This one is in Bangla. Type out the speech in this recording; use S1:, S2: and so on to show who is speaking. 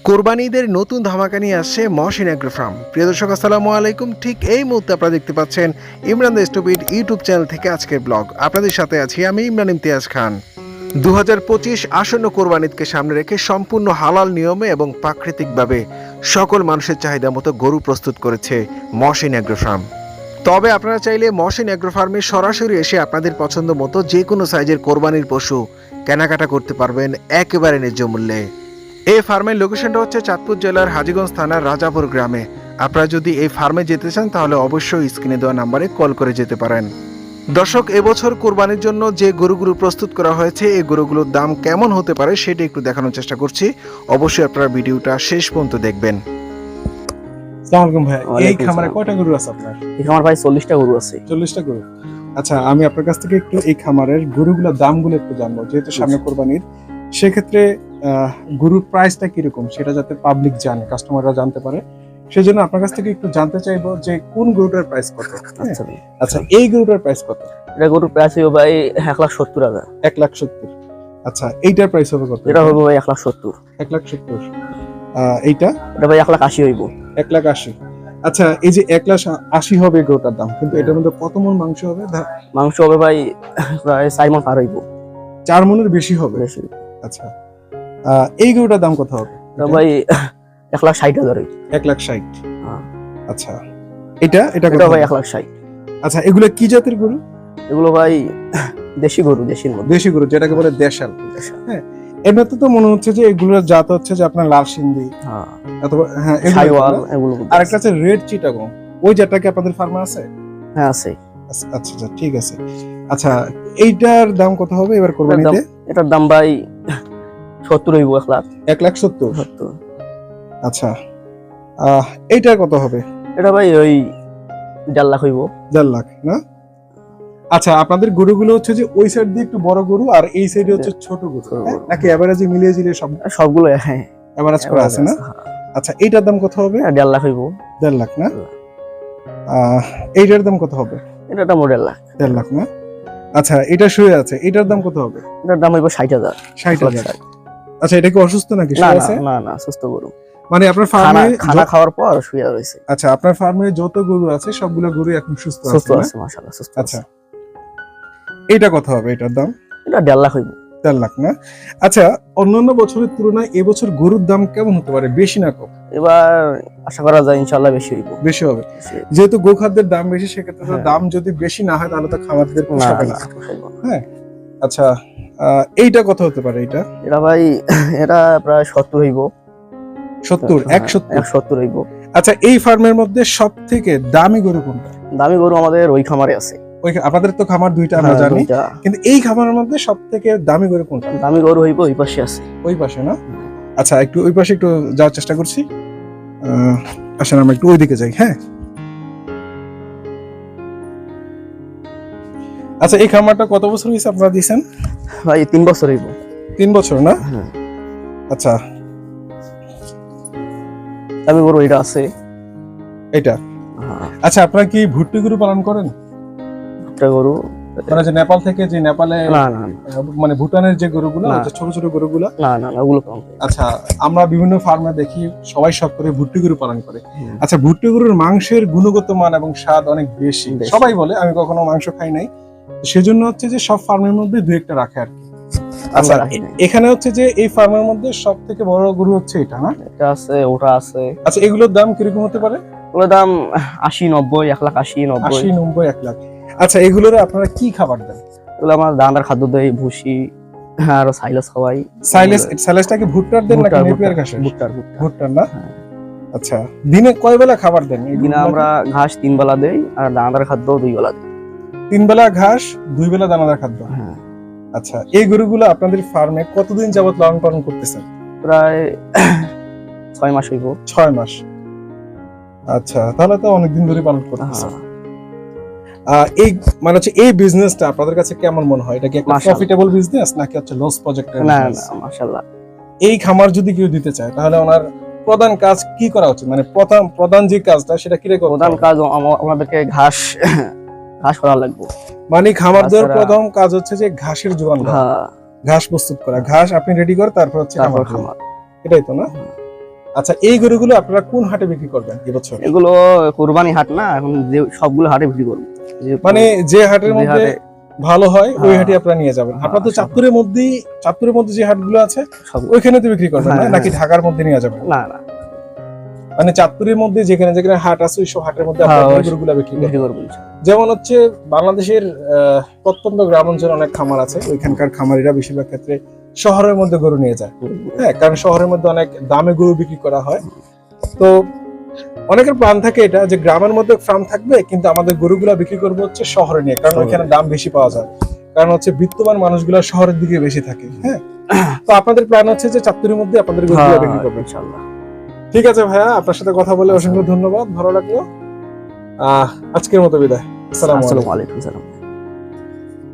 S1: কোরবানি ঈদের নতুন ধামাকা নিয়ে আসছে মহসিন এগ্রো ফার্ম। প্রিয় দর্শক আসসালামু আলাইকুম। ঠিক এই মুহূর্তে আপনারা দেখতে পাচ্ছেন Imran the stupid YouTube channel থেকে আজকের ব্লগ। আপনাদের সাথে আছি আমি ইমরান ইমতিয়াজ খান। 2025 আসন্ন কোরবানি ঈদকে সামনে রেখে সম্পূর্ণ হালাল নিয়মে এবং প্রাকৃতিকভাবে সকল মানুষের চাহিদা মতো গরু প্রস্তুত করেছে মহসিন এগ্রো ফার্ম। তবে আপনারা চাইলে মহসিন এগ্রো ফার্মে সরাসরি এসে আপনাদের পছন্দ মতো যে কোনো সাইজের কোরবানির পশু কেনাকাটা করতে পারবেন একেবারে ন্যায্য মূল্যে। এই ফার্মের লোকেশনটা হচ্ছে চাঁদপুর জেলার হাজীগঞ্জ থানার রাজাপুর গ্রামে। আপনারা যদি এই ফার্মে যেতে চান তাহলে অবশ্যই স্ক্রিনে দেওয়া নাম্বারে কল করে যেতে পারেন। দর্শক, এবছর কোরবানির জন্য যে গরুগুলো প্রস্তুত করা হয়েছে এই গরুগুলোর দাম কেমন হতে পারে সেটা একটু দেখানোর চেষ্টা করছি। অবশ্যই আপনারা ভিডিওটা শেষ পর্যন্ত দেখবেন।
S2: আসসালামু আলাইকুম ভাই, এই খামারে কয়টা গরু আছে আপনার?
S3: এই খামার ভাই 40টা গরু আছে।
S2: 40টা গরু। আচ্ছা, আমি আপনার কাছ থেকে একটু এই খামারের গরুগুলোর দামগুলো একটু জানবো, যেহেতু সামনে কোরবানির। সেক্ষেত্রে গরুর প্রাইসটা কিরকম সেটা যাতে পাবলিক জানে, কাস্টমাররা জানতে পারে, সেজন্য আপনার কাছ থেকে একটু জানতে চাইবো যে কোন গরুটার প্রাইস কত। আচ্ছা, এই গরুটার প্রাইস কত?
S3: এটা গরুর প্রাইস হবে ভাই 1,70,000।
S2: 1,70,000। আচ্ছা, এইটার প্রাইস হবে কত?
S3: এটা হবে ভাই 1,70,000।
S2: 1,70,000। এইটা
S3: এটা ভাই 1,80,000 হইব।
S2: 1,80,000। আচ্ছা, এই যে 1,80,000 হবে গরুটার দাম, কিন্তু এটার মধ্যে কত মণ মাংস হবে?
S3: মাংস হবে ভাই প্রায় 4 মণ পার হইব।
S2: 4 মণের বেশি হবে। আচ্ছা, এই গরুটার দাম কত হবে?
S3: ভাই 1,60,000 হইব।
S2: 1,60,000।
S3: হ্যাঁ।
S2: আচ্ছা, এটা
S3: কত ভাই? 1,60,000।
S2: আচ্ছা, এগুলো কি জাতের গরু?
S3: এগুলো ভাই দেশি গরু, দেশির মধ্যে
S2: দেশি গরু, যেটাকে বলে দেশাল। হ্যাঁ, এমনিতে তো মনে হচ্ছে যে এগুলোর জাত হচ্ছে যে আপনার লাল সিন্ধি, অথবা
S3: শাইওয়াল, এগুলো।
S2: আরেকটা আছে রেড চিটাগং, ওই জাতটা কি আপনাদের ফার্মে আছে?
S3: হ্যাঁ, আছে।
S2: আচ্ছা আচ্ছা, ঠিক আছে। আচ্ছা, এইটার দাম কত হবে এবার কোরবানিতে?
S3: এটার দাম ভাই 70 হইব।
S2: 1,70,000। আচ্ছা, এইটার কত হবে?
S3: এটা ভাই ওই 1.5 লাখ হইব।
S2: 1.5 লাখ না? আচ্ছা, আপনাদের গরুগুলো হচ্ছে যে ওই সাইড দিয়ে একটু বড় গরু আর এই সাইডে হচ্ছে ছোট গরু, নাকি এভারেজে মিলিয়ে জিলিয়ে
S3: সবগুলো? হ্যাঁ,
S2: এভারেজ করা আছে না? আচ্ছা, এইটার দাম কত হবে?
S3: 1.5 লাখ হইব।
S2: 1.5 লাখ না? এইটার দাম কত হবে?
S3: এটা 1.5 লাখ।
S2: 1.5 লাখ না? আচ্ছা, এটা শুয়ে আছে, এটার দাম কত হবে?
S3: এটার দাম হইব 60,000।
S2: 60,000। আচ্ছা, এটা কি অসুস্থ নাকি?
S3: না
S2: শুয়ে আছে?
S3: না না, সুস্থ গরু।
S2: মানে আপনার ফার্মে
S3: খানা খাওয়ার পর শুয়ে রয়েছে।
S2: আচ্ছা, আপনার ফার্মে যত গরু আছে সবগুলো গরু এখন সুস্থ আছে,
S3: মাশাআল্লাহ সুস্থ।
S2: আচ্ছা, এটা কত হবে এটার দাম?
S3: এটা 1.5 লাখ হইব।
S2: 1.5 লাখ না? আচ্ছা, অন্যান্য বছরের তুলনায় এবছর গরুর দাম কেমন হতে পারে, বেশি না কম?
S3: এবার আশা করা যায় ইনশাআল্লাহ বেশি হইব।
S2: বেশি হবে, যেহেতু গোখাদ্যের দাম বেশি, সেক্ষেত্রে তো দাম যদি বেশি না হয় তাহলে তো খামারদের পোষাবে না। হ্যাঁ, আচ্ছা, এইটা কত হতে পারে? এটা
S3: ভাই এটা প্রায় 70 হইব।
S2: 70, 170
S3: হইব।
S2: আচ্ছা, এই ফার্মের মধ্যে সব থেকে দামি গরু কোনটা?
S3: দামি গরু আমাদের ওই খামারে আছে।
S2: ওই আপনাদের তো খামার দুইটা আমরা জানি, কিন্তু এই খামারের মধ্যে সব থেকে দামি গরু কোনটা?
S3: দামি গরু হইব ওই পাশে আছে।
S2: ওই পাশে না? আচ্ছা, একটু ওই পাশে একটু যাওয়ার চেষ্টা করছি। আসেন আমরা একটু ওইদিকে যাই। হ্যাঁ, আচ্ছা, এই খামারটা কত বছর হয়েছে আপনারা দিয়েছেন?
S3: ভাই 3 বছর হইব।
S2: 3 বছর না? আচ্ছা,
S3: দামি গরু এটা আছে।
S2: এটা আচ্ছা, আপনারা কি ভুট্টি গরু পালন করেন?
S3: ভুট্টা গরু
S2: মানে যে নেপাল থেকে, যে নেপালে
S3: না না
S2: মানে ভুটানের যে গরুগুলো, ছোট ছোট গরুগুলো?
S3: না না, ওগুলো কম।
S2: আচ্ছা, আমরা বিভিন্ন ফার্মে দেখি সবাই শখ করে ভুট্টি গরু পালন করে। আচ্ছা, ভুট্টি গরুর মাংসের গুণগত মান এবং স্বাদ অনেক বেশি, সবাই বলে। আমি কখনো মাংস খাই নাই, সেজন্য হচ্ছে যে সব ফার্মের মধ্যে দুই একটা রাখে আর কি। আচ্ছা, এখানে হচ্ছে যে এই ফার্মের মধ্যে সব থেকে বড় গরু হচ্ছে এটা না?
S3: এটা আছে, ওটা আছে।
S2: আচ্ছা, এগুলোর দাম কিরকম হতে পারে?
S3: ওগুলোর দাম 80-90, 1,80,000-90।
S2: 80-90, 1 লাখ। আচ্ছা, এগুলোর আপনারা কি খাবার দেন?
S3: এগুলো আমার দানাদার খাদ্য দেই, ভুসি আর সাইলেজ খাওয়াই।
S2: সাইলেজটা কি ভুট্টার দেন নাকি নেপিয়ার ঘাসের? ভুট্টার না? আচ্ছা, দিনে কয় বেলা খাবার দেন?
S3: দিনে আমরা ঘাস 3 বেলা দেই আর দানাদার খাদ্য 2 বেলা দেই।
S2: 3 বেলা ঘাস, 2 বেলা দানাদার খাদ্য। হ্যাঁ। আচ্ছা, এই গরুগুলো আপনাদের ফার্মে কতদিন যাবত লালন পালন করতেছেন?
S3: প্রায় 6 মাস হইব।
S2: 6 মাস। আচ্ছা, তাহলে তো অনেকদিন ধরে পালন করতেছেন। এই মানে হচ্ছে এই বিজনেসটা আপনাদের কাছে কেমন মনে হয়? এটা কি একটা প্রফিটেবল বিজনেস নাকি হচ্ছে লস প্রজেক্ট?
S3: না না, মাশাআল্লাহ।
S2: এই খামার যদি কেউ দিতে চায় তাহলে ওনার প্রধান কাজ কি করা উচিত? মানে প্রধান যে কাজটা সেটা কি রে?
S3: প্রধান কাজ আমাদেরকে ঘাস করা লাগবে।
S2: মানে খামারদের প্রথম কাজ হচ্ছে যে ঘাসের যোগান দেওয়া, ঘাস প্রস্তুত করা, ঘাস আপনি রেডি করে তারপর হচ্ছে খামার। এটাই তো না? আচ্ছা, এই গরুগুলো আপনারা কোন হাটে বিক্রি করবেন এবছর?
S3: এগুলো কোরবানি হাট না, এখন যে সবগুলো হাটে বিক্রি করবো।
S2: মানে যে হাটের
S3: যে
S2: মধ্যে
S3: হাটে-
S2: ভালো হয় ওই
S3: হ্যাঁ।
S2: হাটে আপনারা নিয়ে যাবেন। আপনারা তো
S3: সব।
S2: চাঁদপুরের মধ্যে যে হাটগুলো আছে
S3: সব
S2: ওইখানে তো বিক্রি করবেন না,
S3: হ্যাঁ,
S2: নাকি ঢাকার মধ্যে নিয়ে যাবেন?
S3: না না
S2: মানে চাঁদপুরের মধ্যে যেখানে যেখানে হাট আছে ওইসব হাটের মধ্যে
S3: হ্যাঁ,
S2: আপনারা
S3: ওই-
S2: গরুগুলো বিক্রি করবেন।
S3: বিক্রি করবো।
S2: যেমন হচ্ছে বাংলাদেশের প্রত্যন্ত গ্রাম অঞ্চলে অনেক খামার আছে, ওইখানকার খামারিরা বেশিরভাগ ক্ষেত্রে শহরের মধ্যে গরু নিয়ে যায়। হ্যাঁ, কারণ শহরের মধ্যে অনেক দামে গরু বিক্রি করা হয়। তো অনেকের প্ল্যান থাকে এটা যে গ্রামের মধ্যে ফার্ম থাকবে, কিন্তু আমাদের গরুগুলা বিক্রি করবো হচ্ছে শহরে নিয়ে, কারণ
S3: শহরে।
S2: ওইখানে দাম বেশি পাওয়া যায়। কারণ হচ্ছে বিত্তবান মানুষগুলা শহরের দিকে বেশি থাকে। হ্যাঁ, তো আপনাদের প্ল্যান হচ্ছে যে চাঁদপুরের মধ্যে আপনাদের গরুগুলা
S3: হ্যাঁ,
S2: বিক্রি করবেন।
S3: ইনশাআল্লাহ।
S2: ঠিক আছে ভাইয়া, আপনার সাথে কথা বলে অসংখ্য ধন্যবাদ, ভালো লাগলো। আজকের মতো বিদায়। আসসালামু আলাইকুম।
S3: আসসালামু আলাইকুম। সালাম।